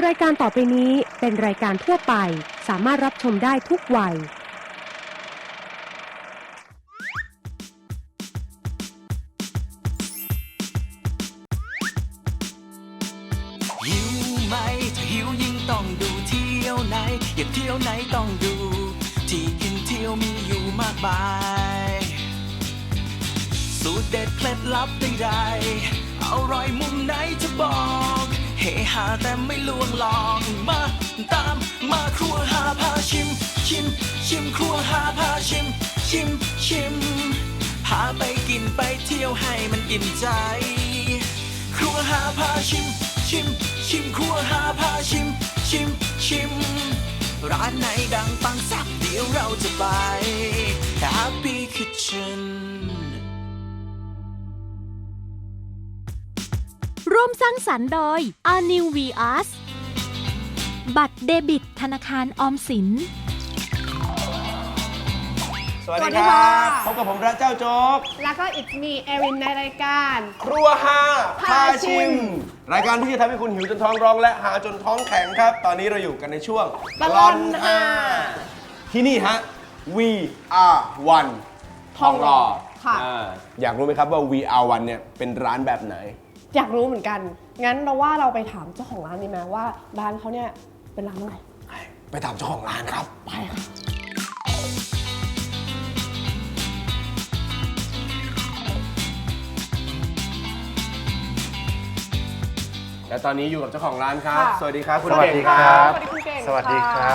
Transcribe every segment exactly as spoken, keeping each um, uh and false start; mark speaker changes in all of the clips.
Speaker 1: รายการต่อไปนี้เป็นรายการทั่วไปสามารถรับชมได้ทุกวัย
Speaker 2: หิวไหมถ้าหิวยิ่งต้องดูเที่ยวไหนอยากเที่ยวไหนต้องดูที่กินเที่ยวมีอยู่มากมายสูตรเด็ดเคล็ดลับใดๆอร่อยมุมไหนจะบอกเฮฮาแต่ไม่ลวงลองมาตามมาครัวหาพาชิมชิมชิมครัวหาพาชิมชิมชิมพาไปกินไปเที่ยวให้มันอิ่มใจครัวหาพาชิมชิมชิมครัวหาพาชิมชิมชิมร้านไหนดังปังสักเดี๋ยวเราจะไป Happy Kitchen
Speaker 3: ร่วมสร้างสรรค์โดย อาร์ นิว วี อาร์ เอส บัตรเดบิตธนาคารออมสิน
Speaker 4: สวัสดีครับพบกับผมพระเจ้าโจ๊ก
Speaker 5: แล้วก็อิทมีเอรินในรายการ
Speaker 4: ครัวฮาพาชิม รายการที่จะทำให้คุณหิวจนท้องร้องและหาจนท้องแข็งครับ ตอนนี้เราอยู่กันในช่วง
Speaker 5: ตลอดฮา
Speaker 4: ที่นี่ฮะ We Are One ทองหล่อ
Speaker 5: ค่ะ
Speaker 4: อ่าอยากรู้ไหมครับว่า We Are One เนี่ยเป็นร้านแบบไหน
Speaker 5: อยากรู้เหมือนกัน งั้นเราว่าเราไปถามเจ้าของร้านดีไหมว่าร้านเขาเนี่ยเป็นร้านอะไร
Speaker 4: ไปถามเจ้าของร้านครับ
Speaker 5: ไปค่ะ
Speaker 4: และตอนนี้อยู่กับเจ้าของร้านครับ
Speaker 5: ค่ะ
Speaker 4: สวัสดีครับคุณ
Speaker 6: สวัส
Speaker 4: เก่ง
Speaker 6: ดี
Speaker 4: ค
Speaker 6: ค
Speaker 4: รั
Speaker 6: รับ บ
Speaker 5: สวัสดีคุณเก่ง
Speaker 6: สวัสดีครับ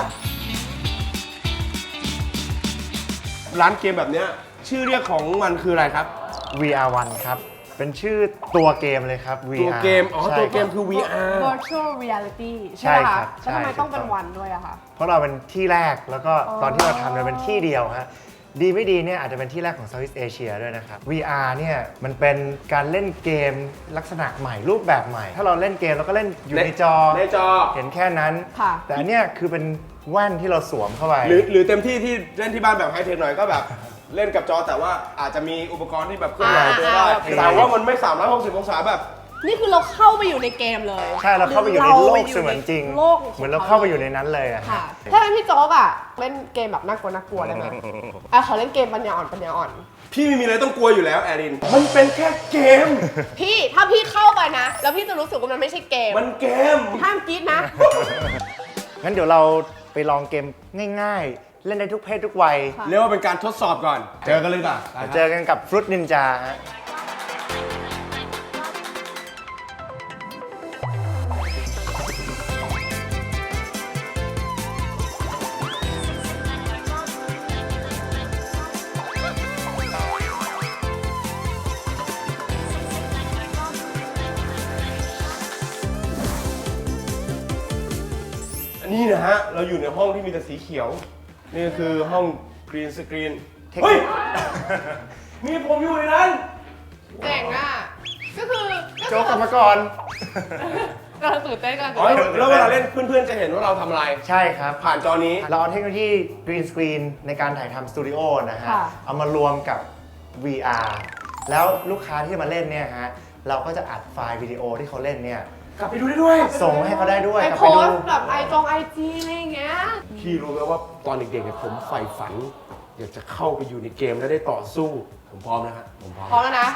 Speaker 4: ร้านเกมแบบเนี้ยชื่อเรียกของมันคืออะไรครับ
Speaker 6: วี อาร์ วัน ครับ เป็นชื่อตัวเกมเลยครับ วี
Speaker 4: ตัว
Speaker 6: อาร์
Speaker 4: เกม อ๋อ
Speaker 6: ใช่
Speaker 4: ตัวเกม
Speaker 6: รับ
Speaker 4: คือ วี อาร์
Speaker 5: Virtual Reality
Speaker 6: ใช่
Speaker 5: ใช่ไหม
Speaker 6: ครั
Speaker 5: คะ
Speaker 6: บ
Speaker 5: แล้วทำไม
Speaker 6: ใช่
Speaker 5: ต้องเป็น
Speaker 6: ถูกต้อง
Speaker 5: วันด้วยอะคะ
Speaker 6: เพราะเราเป็นที่แรกแล้วก็
Speaker 5: อ๋อ
Speaker 6: ตอนที่เราทำเนี่ยเป็นที่เดียวฮะดีไม่ดีเนี่ยอาจจะเป็นที่แรกของ Southeast Asia ด้วยนะครับ วี อาร์ เนี่ยมันเป็นการเล่นเกมลักษณะใหม่รูปแบบใหม่ ถ้าเราเล่นเกมเราก็เล่นอยู่ในจอ
Speaker 4: ในจอ
Speaker 6: เห็นแค่นั้น
Speaker 5: ค่ะ
Speaker 6: แต่อันเนี้ยคือเป็นแว่นที่เราสวมเข้าไป
Speaker 4: หรือหรือเต็มที่ที่เล่นที่บ้านแบบไฮเทคหน่อยก็แบบ เล่นกับจอแต่ว่าอาจจะมีอุปกรณ์ที่แบบเคลื่อนไหวตัวได้
Speaker 5: อ่า
Speaker 4: แต่ว่ามันไม่สามร้อยหกสิบองศาแบบ
Speaker 5: นี่คือเราเข้าไปอยู่ในเกมเลย
Speaker 6: ใช่เราเข้าไปอยู่ในโลกเสมือนจริง
Speaker 5: โลก
Speaker 6: เหมือนเราเข้าไปอยู่ในนั้นเลยอะ
Speaker 5: ค่ะ ถ้าเป็นพี่โจ๊กอะเล่นเกมแบบน่ากลัวน่ากลัวได้ไหมอ่ะขอเล่นเกมปัญญาอ่อนปัญญาอ่อน
Speaker 4: พี่ไม่มีอะไรต้องกลัวอยู่แล้วแอริน มันเป็นแค่เกม
Speaker 5: พี่ถ้าพี่เข้าไปนะ แล้วพี่จะรู้สึกว่ามันไม่ใช่เกม
Speaker 4: มันเกม
Speaker 5: ห้ามกรี๊ดนะ
Speaker 6: งั้นเดี๋ยวเราไปลองเกมง่ายๆ เล่นได้ทุกเพศทุกวัย
Speaker 5: ค่ะ
Speaker 4: เรียกว่าเป็นการทดสอบก่อน เจอกันเลยก่อน
Speaker 6: เจอกันกับฟรุตนินจาฮะ
Speaker 4: อันนี้นะฮะ เราอยู่ในห้องที่มีแต่สีเขียว นี่คือห้องกรีนสกรีน
Speaker 6: เทคนิค
Speaker 4: เฮ้ย มีผมอยู่ในนั้น
Speaker 5: เจ๋งอะก็คือ
Speaker 6: โจ๊กกรรมกร
Speaker 5: กำลังตื่นเต้นกำลัง
Speaker 4: อ๋
Speaker 5: ตื่
Speaker 4: อน
Speaker 5: เต้น
Speaker 4: แล้วเวลาเล่นเพื่อนๆจะเห็นว่าเราทำอะไร
Speaker 6: ใช่ครับ
Speaker 4: ผ่านจอนี้
Speaker 6: เราเอาเทคโนโลยีกรีนสกรีนในการถ่ายทำสตูดิโอนะฮะ
Speaker 5: ค่ะ
Speaker 6: เอามารวมกับ วี อาร์ แล้วลูกค้าที่มาเล่นเนี่ยฮะ เราก็จะอัดไฟล์วิดีโอที่เขาเล่นเนี่ย
Speaker 4: กลับไปดูได้ด้วย
Speaker 6: ส่งให้เขาได้ด้วย
Speaker 5: ไป
Speaker 6: กลับ
Speaker 5: โพ
Speaker 6: ไปดู
Speaker 5: สต์แบบไอจงไอจีอะไรอย่างเงี้ย
Speaker 4: พี่รู้ไหมว่าตอนเด็กๆเนี่ยผมใฝ่ฝัน อยากจะเข้าไปอยู่ในเกมและได้ต่อสู้ ผมพร้อมนะฮะผมพร้อม
Speaker 5: พร้อมแล้วนะ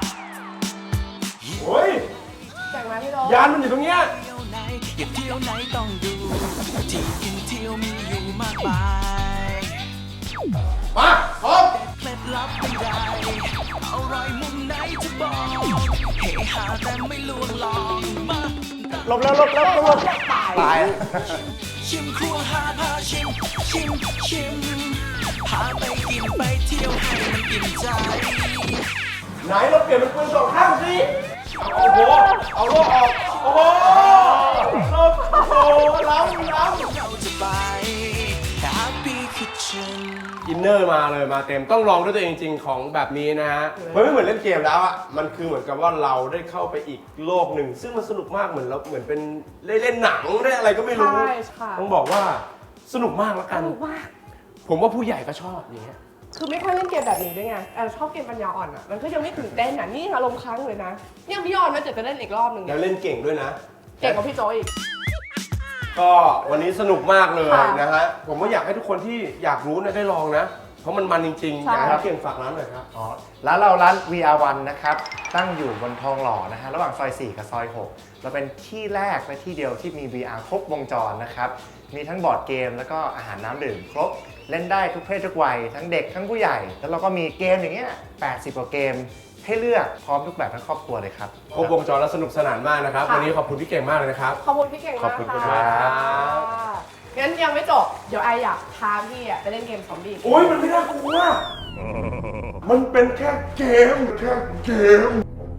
Speaker 4: โอ้ย
Speaker 5: เจ๋งไหมพี่โด
Speaker 4: ยานมันอยู่ตรงเนี้ย
Speaker 2: เที่ยวไหนอยากเที่ยวไหนต้องดูที่กินเที่ยวมีอยู่มากมาย
Speaker 4: มาพร้อม
Speaker 2: เคล็ดลับใดๆอร่อยมุมไหนจะบอกเฮฮาแต่ไม่ลวงลองมา
Speaker 6: ลบแล้วลบแล้วลบ
Speaker 5: ตาย
Speaker 6: ตาย
Speaker 2: ชิมครัวหาพาชิมชิมชิมพาไปกินไปเที่ยวให้มันอิ่มใจ
Speaker 4: ไหนเราเปลี่ยนเป็นปืนสองข้างสิโอ้โห เอาโล่ออก โอ้โหเราโอ้โหล้ำล้ำ
Speaker 2: เราจะไป Happy Kitchen
Speaker 4: อินเนอร์มาเลยมาเต็มต้องลองด้วยตัวเองจริงๆของแบบนี้นะฮะมันไม่เหมือนเล่นเกมแล้วอ่ะมันคือเหมือนกับว่าเราได้เข้าไปอีกโลกหนึ่งซึ่งมันสนุกมากเหมือนเราเหมือนเป็นได้เล่นหนังได้อะไรก็ไม่รู้
Speaker 5: ใช่ค่ะ
Speaker 4: ต้องบอกว่าสนุกมากแล้วกัน
Speaker 5: สนุกมาก
Speaker 4: ผมว่าผู้ใหญ่ก็ชอบอย่างเงี้ย
Speaker 5: คือไม่ค่อยเล่นเกมแบบนี้ด้วยไงเออชอบเกมปัญญาอ่อนอ่ะ มันก็ยังไม่ตื่นเต้นอ่ะ นี่อารมณ์ค้างเลยนะยังพี่ยอมนะเดี๋ยวจะเล่นอีกรอบหนึ่ง
Speaker 4: แล้วเล่นเก่งด้วยนะ
Speaker 5: เก่งกว่าพี่โจอีก
Speaker 4: ก็วันนี้สนุกมากเลย
Speaker 5: ค่ะ
Speaker 4: นะฮะผมก็อยากให้ทุกคนที่อยากรู้เนี่ยได้ลองนะ เพราะมันมันจริงๆ
Speaker 5: ใช่
Speaker 4: อยากให้เก่งฝากร้านหน่อยครับ
Speaker 6: อ๋อร้านเราร้าน วี อาร์ วัน นะครับ ตั้งอยู่บนทองหล่อนะฮะระหว่างซอย สี่ กับซอย หก เราเป็นที่แรกและที่เดียวที่มี วี อาร์ ครบวงจรนะครับ มีทั้งบอร์ดเกมแล้วก็อาหารน้ำดื่มครบ เล่นได้ทุกเพศทุกวัย ทั้งเด็กทั้งผู้ใหญ่ แล้วเราก็มีเกมอย่างเงี้ยแปดสิบกว่าเกมให้เลือกพร้อมทุกแบบทั้งครอบครัวเลยครับ
Speaker 4: ครบวงจรและสนุกสนานมากนะครับ
Speaker 5: ค่ะ
Speaker 4: วันนี้ขอบคุณพี่เก่งมากเลยนะครับ
Speaker 5: ขอบคุณพี่เก่งมาก
Speaker 4: ขอบคุณ
Speaker 5: ค่ะ
Speaker 4: มากครับ
Speaker 5: งั้นยังไม่จบ เดี๋ยวไออยากพาพี่อะไปเล่นเกมซอมบี้
Speaker 4: โอ้ยมันไม่น่ากลัวมันเป็นแค่เกมแค่เกม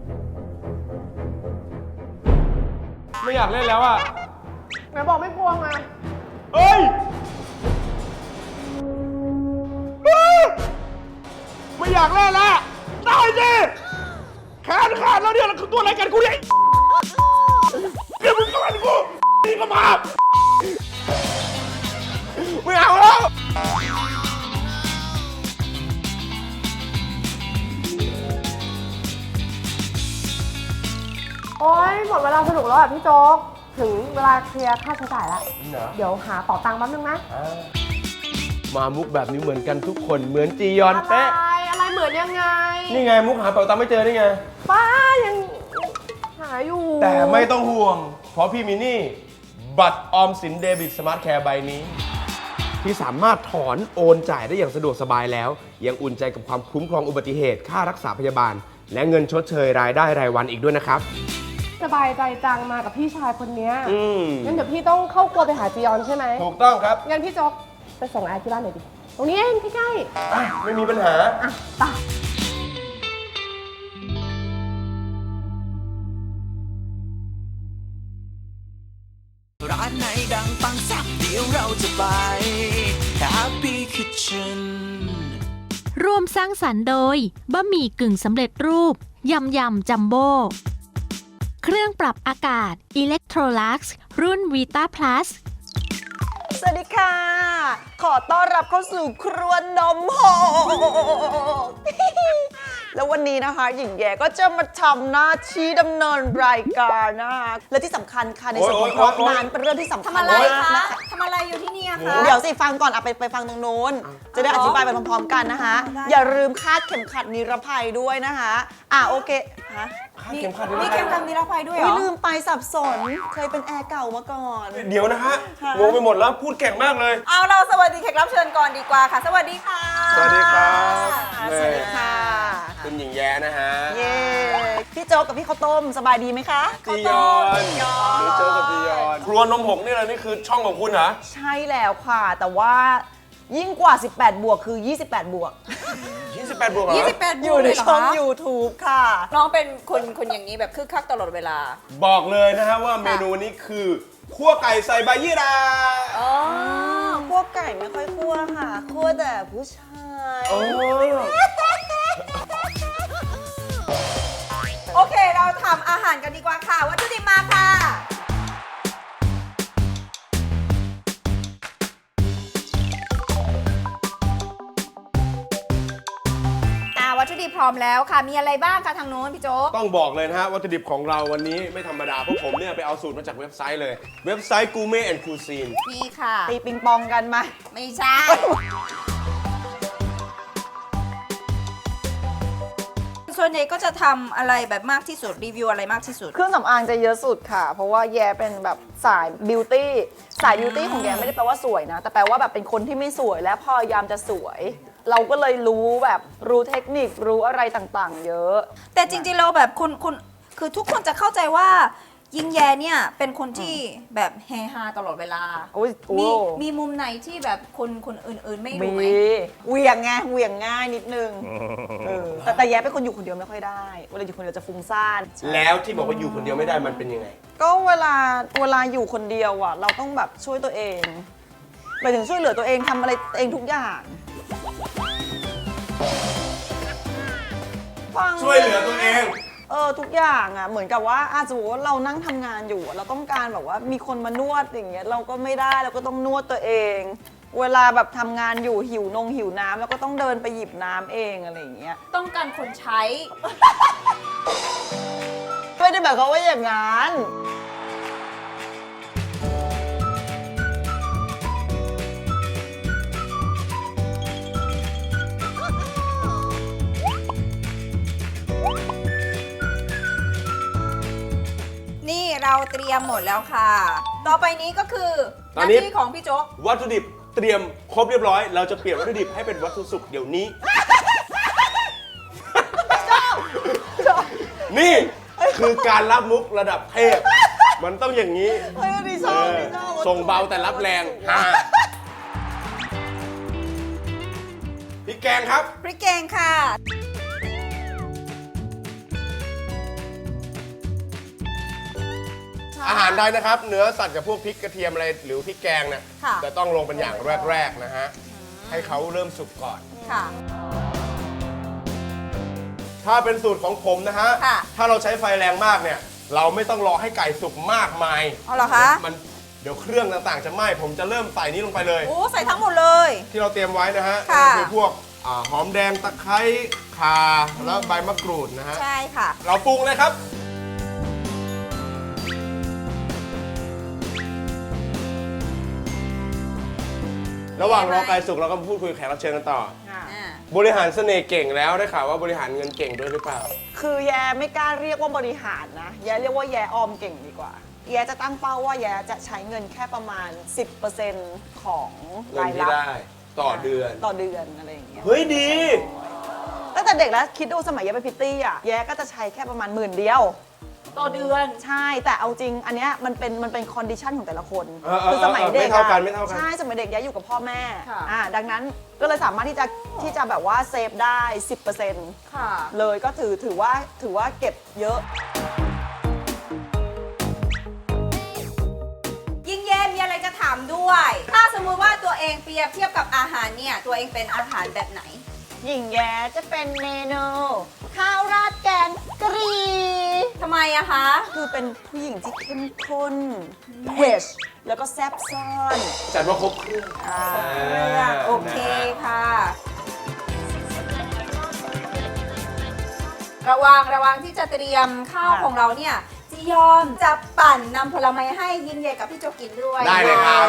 Speaker 4: ไม่อยากเล่นแล้วอ่ะ
Speaker 5: ไหนบอกไม่กลัวไง
Speaker 4: เอ้ย ไม่อยากเล่นแล้วตายสิแขนขาดแล้วเนี่ยแล้วคือตัวอะไรกันกูเนี่ยเดี๋ยวมึงก็มันกูนี่ก็มาไม่เอาแล้ว
Speaker 5: โอ๊ยหมดเวลาสนุกแล้วอ่ะพี่โจ๊ก ถึงเวลาเคลียร์ค่าใช้จ่ายแล้ว
Speaker 4: เหรอ
Speaker 5: เดี๋ยวหาเป๋าตังค์แป๊บนึงนะ
Speaker 4: มามุกแบบนี้เหมือนกันทุกคนเหมือนจียอน
Speaker 5: อะไร
Speaker 4: เป๊ะ
Speaker 5: อะไรเหมือนยังไง
Speaker 4: นี่ไงมุกหาเป๋าตังค์ไม่เจอนี่ไง
Speaker 5: ป้ายังหาอยู่
Speaker 4: แต่ไม่ต้องห่วง เพราะพี่มินี่บัตรออมสินเดบิตสมาร์ทแคร์ใบนี้ ที่สามารถถอนโอนจ่ายได้อย่างสะดวกสบายแล้ว ยังอุ่นใจกับความคุ้มครองอุบัติเหตุค่ารักษาพยาบาล และเงินชดเชยรายได้รายวันอีกด้วยนะครับ
Speaker 5: สบายใจจังมากับพี่ชายคนเนี้ย
Speaker 4: อืม
Speaker 5: งั้นเดี๋ยวพี่ต้องเข้าครัวไปหาจียอนใช่ไหม
Speaker 4: ถูกต้องครับ
Speaker 5: งั้นพี่โจ๊กไปส่งไอที่บ้านหน่อยดิ ตรงนี้เองใกล้
Speaker 4: อ่ะไม่มีปัญหา
Speaker 5: ๆ อ่ะไป
Speaker 2: ร้านไหนดังปังแซ่บเดี๋ยวเราจะไป Happy Kitchen
Speaker 3: ร่วมสร้างสรรค์โดยบะหมี่กึ่งสำเร็จรูป ยำยำจัมโบ้ เครื่องปรับอากาศ Electrolux รุ่น Vita Plus
Speaker 7: สวัสดีค่ะ ขอต้อนรับเข้าสู่ครัวนมโหก แล้ววันนี้นะคะ หญิงแย่ก็จะมาทำหน้าที่ดำเนินรายการนะคะ และที่สำคัญค่ะในส่วนของ
Speaker 4: โอ๊ยโอ๊ยโอ๊ย
Speaker 7: งานเป็นเรื่องที่สำคัญ
Speaker 8: ทำอะไร
Speaker 7: มาก
Speaker 8: คะ
Speaker 7: นะคะ
Speaker 8: ทำอะไรอยู่ที่นี่คะ
Speaker 7: เดี๋ยวสิฟังก่อนอะไปไปฟังตรงนู้น จะได้อธิบายไปพร้อมๆกันนะคะ อย่าลืมคาดเข็มขัดนิรภัยด้วยนะคะ อ่ะโอเคฮะ
Speaker 4: เข็มขัด
Speaker 8: มีเข็มขัดนิรภัยด้วยเหร
Speaker 7: อุ๊ย
Speaker 8: อ
Speaker 7: ลืมไปสับสน เคยเป็นแอร์เก่ามาก่อน
Speaker 4: เดี๋ยวนะฮะ
Speaker 7: ค่ะ
Speaker 4: งงไปหมดแล้วพูดเก่งมากเลย
Speaker 8: เอาเราสวัสดีแขกรับเชิญก่อนดีกว่าค่ะ สวัสดีค่ะ
Speaker 4: สวัสดีครับ
Speaker 7: สวัสดีค่ะ
Speaker 4: คุณหญิงแย้นะฮะ
Speaker 7: เย้พี่โจ๊กกับพี่ข้าวต้มสบายดีไหมคะ
Speaker 4: จียอนหรือเจอกับจียอนครัวนมหกนี่แหละนี่คือช่องของคุณเหรอ
Speaker 7: ใช่แล้วค่ะ แต่ว่ายิ่งกว่า สิบแปด บวกคือ ยี่สิบแปด บวก
Speaker 4: ยี่สิบแปดบวกเหรอ
Speaker 8: ยี่สิบแปด
Speaker 7: อยู่ใน
Speaker 8: เลยเหร
Speaker 7: ช่อง
Speaker 8: คะ
Speaker 7: YouTube ค่ะ
Speaker 8: น้องเป็นคนคนอย่างนี้แบบคึกคักตลอดเวลา
Speaker 4: บอกเลยนะฮะว่าเมนูนี้คือคั่วไก่ใส่ใบยี่รา
Speaker 8: อ๋อ
Speaker 7: พวกไก่ไม่ค่อยคั่วค่ะ คั่วแต่ผู้ชาย
Speaker 4: โอ้
Speaker 8: โอเค เราทำอาหารกันดีกว่าค่ะ วัตถุดิบมาค่ะ อ่าวัตถุดิบพร้อมแล้วค่ะ มีอะไรบ้างคะทางโน้นพี่โจ๊ก
Speaker 4: ต้องบอกเลยนะฮะวัตถุดิบของเราวันนี้ไม่ธรรมดาเพราะผมเนี่ยไปเอาสูตรมาจากเว็บไซต์เลย เว็บไซต์ Gourmet and Cuisine
Speaker 8: นี่ค่ะ
Speaker 7: ตีปิงปองกันมา
Speaker 8: ไม่ใช่ ส่วนใหญ่ก็จะทำอะไรแบบมากที่สุด รีวิวอะไรมากที่สุด
Speaker 7: เครื่องสำอางจะเยอะสุดค่ะ เพราะว่าแย่เป็นแบบสายบิวตี้ สายบิวตี้ของแย่ไม่ได้แปลว่าสวยนะ แต่แปลว่าแบบเป็นคนที่ไม่สวยและพยายามจะสวย เราก็เลยรู้แบบรู้เทคนิครู้อะไรต่างๆ เยอะ
Speaker 8: แต่จริงๆเราแบบคนคนคือทุกคนจะเข้าใจว่ายิงแยเนี่ยเป็นคนที่แบบเฮฮาตลอดเวลา
Speaker 7: โอ้ยโอ้
Speaker 8: มีมีมุมไหนที่แบบคนคนอื่นๆไม่
Speaker 7: มี
Speaker 8: รู้ไหม
Speaker 7: เหวี่ยงไงเหวี่ยงง่ายนิดนึงเออแต่แต่แย่เป็นคนอยู่คนเดียวไม่ค่อยได้เวลาอยู่คนเดียวจะฟุ้งซ่าน
Speaker 4: แล้วที่บอกว่าอยู่คนเดียวไม่ได้มันเป็นยังไง
Speaker 7: ก็เวลาเวลาอยู่คนเดียวอ่ะ เราต้องแบบช่วยตัวเองหมายถึงช่วยเหลือตัวเองทำอะไรเองทุกอย่างฟัง
Speaker 4: ช่วยเหลือตัวเอง
Speaker 7: เออทุกอย่างอ่ะเหมือนกับว่าอาจจะบอกว่าเรานั่งทำงานอยู่อะเราต้องการแบบว่ามีคนมานวดอย่างเงี้ยเราก็ไม่ได้เราก็ต้องนวดตัวเอง เวลาแบบทำงานอยู่หิวนงหิวน้ำแล้วก็ต้องเดินไปหยิบน้ำเองอะไรอย่างเงี้ย
Speaker 8: ต้องการคนใช้
Speaker 7: ไม่ได้แบบเขามว่าอย่างนั้น
Speaker 8: เราเตรียมหมดแล้วค่ะ ต่อไปนี้ก็คือห
Speaker 4: ตอน
Speaker 8: น้า
Speaker 4: นี้
Speaker 8: ที่ของพี่โจ๊ก
Speaker 4: วัตถุดิบเตรียมครบเรียบร้อย เราจะเปลี่ยนวัตถุดิบให้เป็นวัตถุสุกเดี๋ยวนี้ นี่คือการรับมุกระดับเทพ มันต้องอย่างนี้
Speaker 7: เฮ้ยดีชอบดีชอบ
Speaker 4: ส่งเบาแต่รับแรงฮะพริกแกงครับ
Speaker 8: พริกแกงค่ะ
Speaker 4: อาหารไทยนะครับ เนื้อสัตว์กับพวกพริกกระเทียมอะไรหรือพริกแกงเนี่ย
Speaker 8: ค่ะ
Speaker 4: จะต้องลงเป็นอย่างแรกๆนะฮะ ให้เขาเริ่มสุกก่อน
Speaker 8: ค่ะ
Speaker 4: ถ้าเป็นสูตรของผมนะฮะ
Speaker 8: ค่ะ
Speaker 4: ถ้าเราใช้ไฟแรงมากเนี่ย เราไม่ต้องรอให้ไก่สุกมากมาย
Speaker 8: เอาเหรอคะ
Speaker 4: มันเดี๋ยวเครื่องต่างๆจะไหม้ ผมจะเริ่มใส่นี้ลงไปเลย
Speaker 8: โอ้ใส่ทั้งหมดเลย
Speaker 4: ที่เราเตรียมไว้นะฮะ
Speaker 8: ค่ะ
Speaker 4: ก็คือพวกอ่าหอมแดงตะไคร้ข่าแล้วใบมะกรูดนะฮะ
Speaker 8: ใช่ค่ะ
Speaker 4: เราปรุงเลยครับ ระหว่างรอไก่สุกเราก็พูดคุยกับแขกรับเชิญกันต่อ
Speaker 8: อ่า
Speaker 4: บริหารเสน่ห์เก่งแล้วได้ข่าวว่าบริหารเงินเก่งด้วยหรือเปล่า
Speaker 7: คือแย่ไม่กล้าเรียกว่าบริหารนะ แย่เรียกว่าแย่ออมเก่งดีกว่า แย่จะตั้งเป้าว่าแย่จะใช้เงินแค่ประมาณ สิบเปอร์เซ็นต์ ของ
Speaker 4: เงิน
Speaker 7: ราย
Speaker 4: ที่
Speaker 7: รับ
Speaker 4: ได้ต่อเดือน
Speaker 7: ต่อเดือนอะไรอย่างเงี้ย
Speaker 4: เฮ้ยดี
Speaker 7: ตั้งแต่เด็กแล้วคิดดูสมัยแย่เป็นพิตตี้อ่ะแย่ก็จะใช้แค่ประมาณหมื่นเดียว
Speaker 8: ต่อเดือน
Speaker 7: ใช่แต่เอาจริงอันเนี้ยมันเป็นมันเป็นคอนดิชันของแต่ละคน
Speaker 4: เออเออ
Speaker 7: คือสมัยเด็ก
Speaker 4: ไม่เท่ากัน
Speaker 7: อะ
Speaker 4: ไม่เท่ากัน
Speaker 7: ใช่สมัยเด็กแย่อยู่กับพ่อแม่
Speaker 8: ค่ะ
Speaker 7: อ่าดังนั้นก็เลยสามารถที่จะที่จะแบบว่าเซฟได้ สิบเปอร์เซ็นต์
Speaker 8: ค่ะ
Speaker 7: เลยก็ถือถือว่าถือว่าเก็บเยอะ
Speaker 8: ยิ่งแย่มีอะไรจะถามด้วย ถ้าสมมุติว่าตัวเองเปรียบเทียบกับอาหารเนี่ย ตัวเองเป็นอาหารแบบไหน
Speaker 7: หญิงแย้จะเป็นเมนูข้าวราดแกงกะหรี่
Speaker 8: ทำไมอะคะ
Speaker 7: คือเป็นผู้หญิงที่เข้มข้นเผ็ดแล้วก็แซ่บซ่อน
Speaker 4: จัดว่าครบเครื่อง
Speaker 7: อ่า
Speaker 8: เรื่องโอเคค่ะ ระวังระวังที่จะเตรียมข้าวของเราเนี่ยจียอมจะปั่นนำผลไม้ให้ยินเย่กับพี่โจกินด้วย
Speaker 4: ได้เลยครับ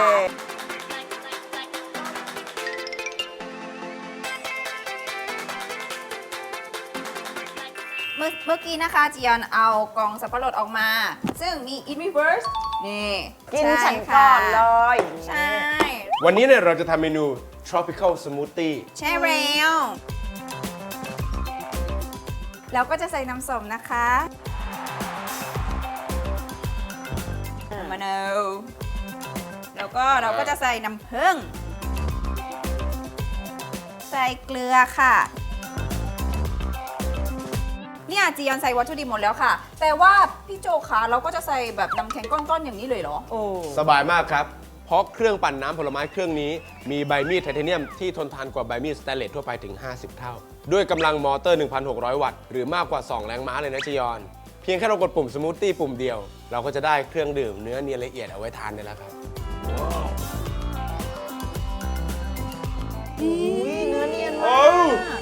Speaker 8: เมื่อเมื่อกี้นะคะจียอนเอากล่องสับปะรดออกมา ซึ่งมี in reverse นี่
Speaker 7: กิน
Speaker 8: ใช่
Speaker 7: ฉันก่อนเล
Speaker 8: ค่ะ
Speaker 7: ย
Speaker 8: ใช่
Speaker 4: วันนี้เนี่ยเราจะทำเมนู tropical smoothie
Speaker 8: ใช่แล้วแล้วก็จะใส่น้ำส้มนะคะมะนาวแล้วก็เราก็จะใส่น้ำผึ้งใส่เกลือค่ะ เนี่ยจียอนใส่วัตถุดิบหมดแล้วค่ะ แต่ว่าพี่โจคะเราก็จะใส่แบบน้ำแข็งก้อนๆอย่างนี้เลยเหรอ
Speaker 7: โอ้
Speaker 4: สบายมากครับ เพราะเครื่องปั่นน้ำผลไม้เครื่องนี้ มีใบมีดไทเทเนียมที่ทนทานกว่าใบมีดสแตนเลสทั่วไปถึง ห้าสิบ เท่า ด้วยกำลังมอเตอร์ หนึ่งพันหกร้อย วัตต์ หรือมากกว่า สอง แรงม้าเลยนะจียอน เพียงแค่เรากดปุ่มสมูทตี้ปุ่มเดียว เราก็จะได้เครื่องดื่มเนื้อเนียนละเอียดเอาไว้ทานได้แล้วครับ
Speaker 7: ยเนื้อเนียน
Speaker 4: โอ้
Speaker 7: มาก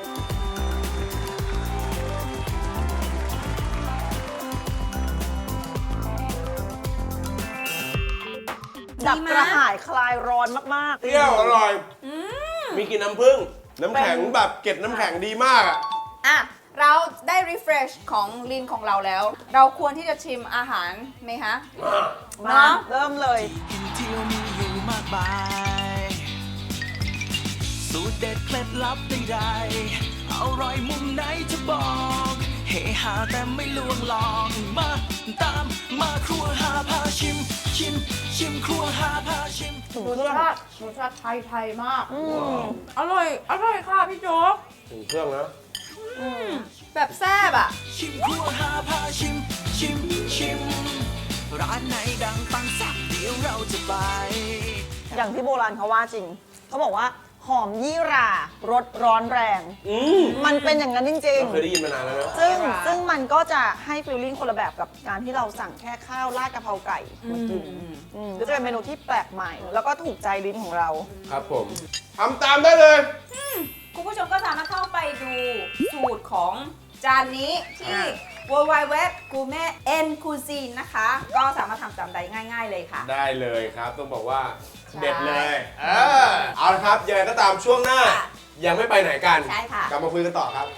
Speaker 7: ดับกระหายคลายร้อนมากๆ
Speaker 4: เปรี้ยวอร่อย มีกลิ่นน้ำผึ้ง น้ำแข็งแบบเก็บน้ำแข็งดีมากอะ
Speaker 8: อ่ะ เราได้ refresh ของลินของเราแล้ว เราควรที่จะชิมอาหารไหมคะ
Speaker 7: มา
Speaker 8: เนาะ
Speaker 7: เริ่มเลย
Speaker 2: กินเที่ยวมีอยู่มากมาย สูตรเด็ดเคล็ดลับใดๆอร่อยมุมไหนจะบอกเฮฮาแต่ไม่ลวงลอง มาตามมาครัวหาพาชิม ชิม ชิมครัวหาพาชิม
Speaker 8: รสชาติรสชาติไทยไทยมาก อร่อย อร่อยค่ะพี่โจ๊ก
Speaker 4: ถึงเครื่องนะ
Speaker 8: แบบแซ่บอ่ะ
Speaker 2: ชิมครัวหาพาชิม ชิม ชิม ร้านไหนดังปังสักเดี๋ยวเราจะไป
Speaker 7: อย่างที่โบราณเขาว่าจริง เขาบอกว่าหอมยี่หร่ารสร้อนแรง
Speaker 4: อืม
Speaker 7: มันเป็นอย่างนั้นจริง
Speaker 4: เราเคยได้ยินมานานแล้วนะ
Speaker 7: ๆ ซึ่งซึ่งมันก็จะให้ฟีลลิ่งคนละแบบกับการที่เราสั่งแค่ข้าวราดกะเพราไก่มากินอืมก็จะเป็นเมนูที่แปลกใหม่ แล้วก็ถูกใจลิ้นของเรา
Speaker 4: ครับผมทำตามได้เลย
Speaker 8: คุณผู้ชมก็สามารถเข้าไปดูสูตรของจานนี้ที่ ดับเบิลยู ดับเบิลยู ดับเบิลยู ดอท กูเม่ เอ็น คูซีน นะคะ ก็สามารถทำตามได้ง่าย ๆ เลยค่ะ
Speaker 4: ได้เลยครับ ต้องบอกว่า
Speaker 8: ใช่
Speaker 4: เด็ดเลยเออเอาละครับยังไงก็ตามช่วงหน้า
Speaker 8: ค่ะ
Speaker 4: ยังไม่ไปไหนกัน
Speaker 8: ใช่ค่ะ
Speaker 4: กลับมาคุยกันต่อครับ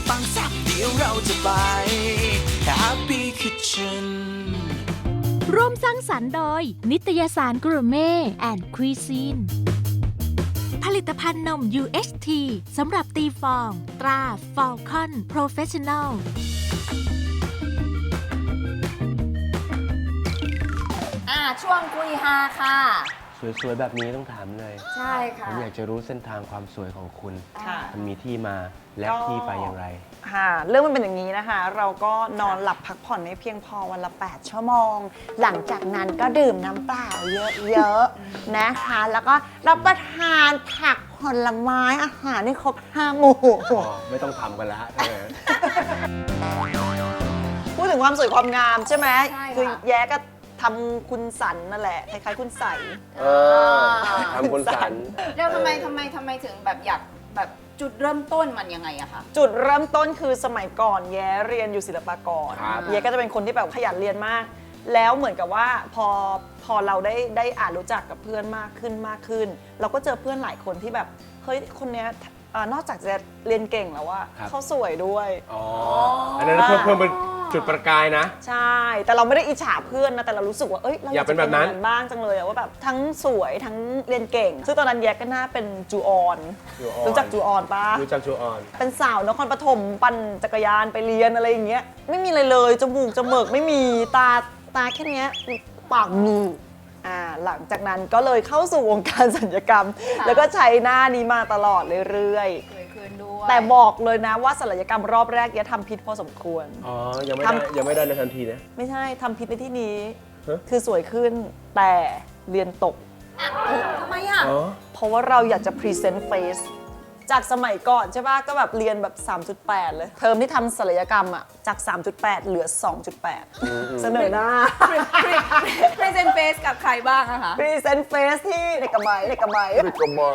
Speaker 2: ปังแซ่บเดี๋ยวเราจะไป Happy Kitchen
Speaker 3: ร่วมสร้างสรรค์โดย นิตยสารกรูเม่แอนด์คุยซีน ผลิตภัณฑ์นม ยู เอช ที สำหรับตีฟอง ตรา Falcon Professional
Speaker 8: อ่าช่วงคุยฮาค่ะ
Speaker 4: สวยๆ แบบนี้ต้องถามเลย
Speaker 8: ใช่
Speaker 4: ผ
Speaker 8: ค่ะ
Speaker 4: มอยากจะรู้เส้นทางความสวยของคุณ
Speaker 7: ค่ะ
Speaker 4: มันมีที่มาและ
Speaker 7: ก็
Speaker 4: ที่ไปอย่างไร
Speaker 7: ค่ะเรื่องมันเป็นอย่างนี้นะคะ เราก็นอนหลับพักผ่อนไม่เพียงพอวันละ แปด ชั่วโมง หลังจากนั้นก็ดื่มน้ำเปล่าเยอะๆนะคะ แล้วก็รับประทานผักผลไม้อาหารให้ครบห้าหมู่
Speaker 4: อ๋อ ไม่ต้องทำกันแล้วใช่ไหม
Speaker 7: พูดถึงความสวยความงามใช่ไหม
Speaker 8: ใช่ค่ะ
Speaker 7: คือแย้ก็ทำคุณสันนั่นแหละคล้ายๆคุณใส
Speaker 4: เออทำคนสัน
Speaker 8: แล้วทำไมทำไมทำไมถึงแบบอยากแบบจุดเริ่มต้นมันยังไงอะคะ
Speaker 7: จุดเริ่มต้นคือสมัยก่อนแย้เรียนอยู่ศิลปากร
Speaker 4: ครับ
Speaker 7: แย้ก็จะเป็นคนที่แบบขยันเรียนมาก แล้วเหมือนกับว่าพอพอเราได้ได้อ่านรู้จักกับเพื่อนมากขึ้นมากขึ้น เราก็เจอเพื่อนหลายคนที่แบบเฮ้ยคนเนี้ยอ่านอกจากจะเรียนเก่งแล้วว่า
Speaker 4: ครับ
Speaker 7: เขาสวยด้วย
Speaker 4: อ๋อ อันนั้นเพิ่มเพิ่มเป็นจุดประกายนะ
Speaker 7: ใช่ แต่เราไม่ได้อิจฉาเพื่อนนะ แต่เรารู้สึกว่า เอ้ย เราอยาก ก
Speaker 4: อายเป็
Speaker 7: จะ
Speaker 4: นแบบนั้น
Speaker 7: บ้างจังเลยอะว่าแบบทั้งสวยทั้งเรียนเก่ง ซึ่งตอนนั้นแยกก็น่าเป็นจูออน
Speaker 4: จูออน
Speaker 7: รู้จักจูออนปะ
Speaker 4: รู้จักจูออน
Speaker 7: เป็นสาวนครปฐมปั่นจักรยานไปเรียนอะไรอย่างเงี้ย ไม่มีอะไรเลย จมูกจมูกไม่มี ตาตาแค่เนี้ยปากมีอ่า หลังจากนั้นก็เลยเข้าสู่วงการศัลยกรรม แล้วก็ใช้หน้านี้มาตลอดเรื่อย
Speaker 8: สวยขึ้นด้วย
Speaker 7: ๆ แต่บอกเลยนะว่าศัลยกรรมรอบแรกแยทำพิษพอสมควร
Speaker 4: อ๋อ ยังไม่ได้
Speaker 7: ทำ
Speaker 4: ยังไม่ได้ในทันทีนะ
Speaker 7: ไม่ใช่ทำพิษในที่นี้
Speaker 4: ฮะ
Speaker 7: คือสวยขึ้นแต่เรียนตก
Speaker 8: ทำไมอะ
Speaker 4: อ๋อ
Speaker 7: เพราะว่าเราอยากจะพรีเซนต์เฟซจากสมัยก่อนใช่ปะก็แบบเรียนแบบ สามจุดแปด เลย เทอมที่ทำศัลยกรรมอะจาก สามจุดแปด เหลือ สองจุดแปด เสนอหน้า
Speaker 8: พรีเซนต์เฟสกับใครบ้างอะคะ
Speaker 7: พรีเซนต์เฟซที่เด็กกระไมเด็กกระไม
Speaker 4: เด็กกระไม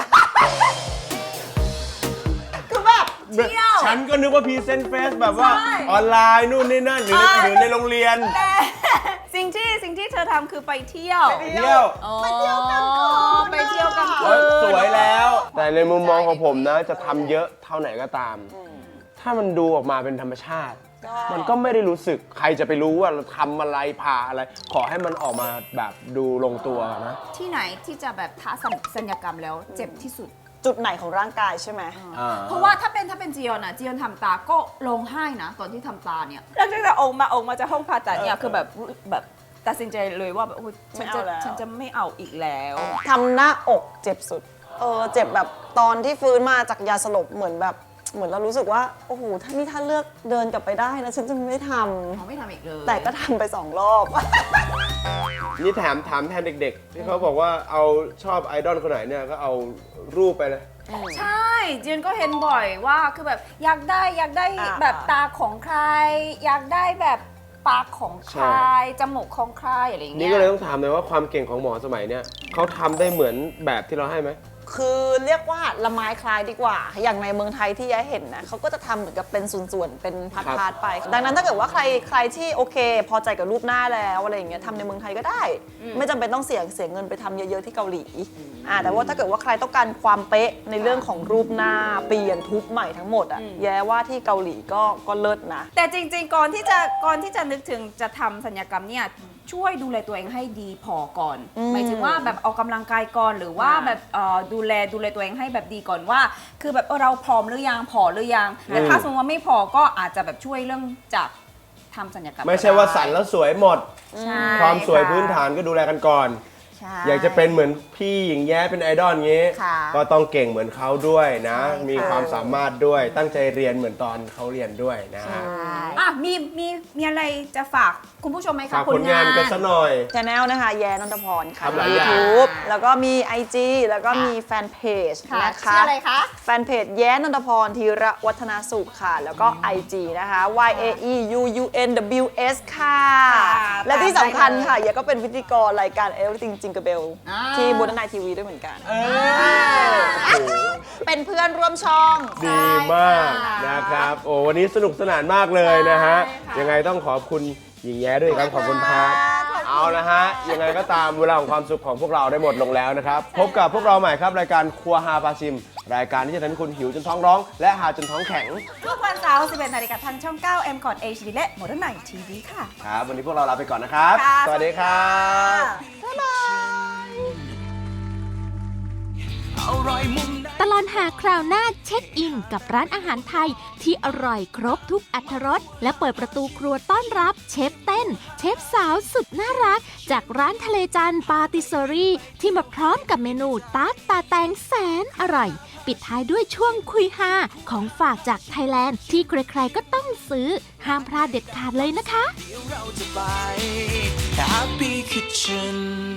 Speaker 7: คือแบบ
Speaker 8: เที่ยว
Speaker 4: ฉันก็นึกว่าพรีเซนต์เฟสแบบว่า
Speaker 8: ใช่
Speaker 4: ออนไลน์นู่นนี่นั่นหรือในหรือในโรงเรียน
Speaker 8: แต่สิ่งที่สิ่งที่เธอทำคือไปเที่ยว
Speaker 4: เที่ยว
Speaker 8: ไปเที่ยวกันคืนไปเที่ยวกันคื
Speaker 4: เอ้ย
Speaker 8: น
Speaker 4: สวยแล้ว แต่ในมุมมองของผมนะ จะทำเยอะเท่าไหนก็ตาม ถ้ามันดูออกมาเป็นธรรมชาติ มันก็ไม่ได้รู้สึกใครจะไปรู้ว่าเราทำอะไรผ่าอะไร ขอให้มันออกมาแบบดูลงตัวนะ
Speaker 8: ที่ไหนที่จะแบบท้าสัญญกรรมแล้วเจ็บที่สุด
Speaker 7: จุดไหนของร่างกายใช่ไหม
Speaker 4: อ่า
Speaker 8: เพราะว่าถ้าเป็นถ้าเป็นจียอนอะจียอนทำตาก็ร้องไห้นะ ตอนที่ทำตาเนี่ยแล้วตั้งแต่ออกมาออกมาจากห้องผ่าตัดเนี่ยคือแบบแบบตัดสินใจเลยว่าแบบโอ้ยฉันจะ
Speaker 7: ไม่เอาแล้ว
Speaker 8: ฉันจะไม่เอาอีกแล้ว
Speaker 7: ทำหน้าอกเจ็บสุด เออเจ็บแบบตอนที่ฟื้นมาจากยาสลบเหมือนแบบเหมือนเรารู้สึกว่าโอ้โหถ้านี่ถ้าเลือกเดินกลับไปได้นะฉันจะไม่ทำ
Speaker 8: เขาไม่ทำอีกเลย
Speaker 7: แต่ก็ทำไปสองรอบ
Speaker 4: นี่แถมถามแทนเด็กๆ ที่เขาบอกว่าเอาชอบไอดอลคนไหนเนี่ยก็เอารูปไปเลย
Speaker 8: ใช่จียอนก็เห็นบ่อยว่าคือแบบอยากได้อยากได้
Speaker 7: อ่า
Speaker 8: แบบตาของใคร อยากได้แบบปากของใคร
Speaker 4: ใช่
Speaker 8: จมูกของใครอะไรอย่างเงี้
Speaker 4: นี่
Speaker 8: ย
Speaker 4: ก็เลยต้องถามเลยว่าความเก่งของหมอสมัยเนี่ยเขาทำได้เหมือนแบบที่เราให้ไหม
Speaker 7: คือเรียกว่าละไม้คล้ายดีกว่า อย่างในเมืองไทยที่ย้ายเห็นนะเขาก็จะทำเหมือนกับเป็นส่วนๆ เป็นพาร์ทๆไป ดังนั้นถ้าเกิดว่าใครใครที่โอเค พอใจกับรูปหน้าแล้วอะไรอย่างเงี้ยทำในเมืองไทยก็ได้ ไม่จำเป็นต้องเสียเสียเงินไปทำเยอะๆที่เกาหลีอ่าแต่ว่าถ้าเกิดว่าใครต้องการความเป๊ะในเรื่องของรูปหน้าเปลี่ยนทุบใหม่ทั้งหมดอ่ะแย้ว่าที่เกาหลีก็ก็เลิศนะ
Speaker 8: แต่จริงๆ ก่อนที่จะก่อนที่จะนึกถึงจะทำสัญญกรรมเนี่ยช่วยดูแลตัวเองให้ดีพอก่อน
Speaker 7: อืม
Speaker 8: หมายถึงว่าแบบออกกำลังกายก่อนหรือว่า
Speaker 7: อ่า
Speaker 8: แบบเอ่อดูแลดูแลตัวเองให้แบบดีก่อนว่า คือแบบเออเราพร้อมหรือยังพอหรือยังแต่ถ้าสมมติว่าไม่พอก็อาจจะแบบช่วยเรื่องจากทำสัญญกรรม
Speaker 4: ไม่ใช่ว่าสันแล้วสวยหมด
Speaker 8: ใช่
Speaker 4: ความสวย
Speaker 8: ะ
Speaker 4: พื้นฐานก็ดูแลกันก่อน
Speaker 8: ใช่
Speaker 4: อยากจะเป็นเหมือนพี่หญิงแย้เป็นไอดอลงี้
Speaker 8: ค่ะ
Speaker 4: ก็ต้องเก่งเหมือนเขาด้วยนะ
Speaker 8: ใช่ค่ะ
Speaker 4: มีความสามารถด้วย ตั้งใจเรียนเหมือนตอนเขาเรียนด้วยนะฮะ
Speaker 8: อ่ะมีมีมีอะไรจะฝากคุณผู้ชมไหมคะ
Speaker 4: ฝากผลงานกันซะหน่อย
Speaker 7: ช anel นะคะแย้นนทพรค่ะ
Speaker 4: ทำหลายอย่าง
Speaker 7: YouTube แล้วก็มี ไอ จี แล้วก็มีแฟนเพจ
Speaker 8: ค่ะ
Speaker 7: นะคะ
Speaker 8: ชื่ออะไรคะ
Speaker 7: แฟนเพจแย้นนทพรธีระวัฒนาสุขค่ะ แล้วก็ ไอ จี นะคะ y a e u u n w s ค่ะ
Speaker 8: ค่ะ
Speaker 7: และที่สำคัญ
Speaker 8: ตามได้เลย
Speaker 7: ค่ะแย้ก็เป็นพิธีกรรายการ Everything Jingle Bell
Speaker 8: อ่า
Speaker 7: ที่บูธนายทีวีด้วยเหมือนกัน
Speaker 4: เออโอ้โห
Speaker 7: เป็นเพื่อนร่วมช่อง
Speaker 4: ดีมากนะครับ โอ้วันนี้สนุกสนานมากเลยนะฮะ ยังไงต้องขอบคุณหญิงแย้ด้วยครับ ขอบคุณครับ เอานะฮะ ยังไงก็ตามเวลาของความสุขของพวกเราได้หมดลงแล้วนะครับ พบกับพวกเราใหม่ครับ รายการครัวฮาปาชิม รายการที่จะทำให้คุณหิวจนท้องร้อง และหาจนท้องแข็ง
Speaker 8: ทุกวันเสาร์ สิบเอ็ดนาฬิกาทางช่อง เก้า เอ็ม คอร์ด เอช ดี และ Modern Night ที วี ค่ะ
Speaker 4: ครับ วันนี้พวกเราลาไปก่อนนะครับ
Speaker 8: ค่ะ
Speaker 4: สวัสดีครับ
Speaker 8: บ๊ายบาย
Speaker 2: อร่อยมุมไหน
Speaker 3: ตลอดหาคราวหน้าเช็คอินกับร้านอาหารไทยที่อร่อยครบทุกอรรถรสและเปิดประตูครัวต้อนรับเชฟเต้น เชฟสาวสุดน่ารัก จากร้านทะเลจันทร์ปาติเซอรี่ที่มาพร้อมกับเมนูตาร์ตตาแตงแสนอร่อย ปิดท้ายด้วยช่วงคุยฮาของฝากจากไทยแลนด์ที่ใครๆก็ต้องซื้อ ห้ามพลาดเด็ดขาดเลยนะคะ
Speaker 2: เดี๋ยวเราจะไป Happy Kitchen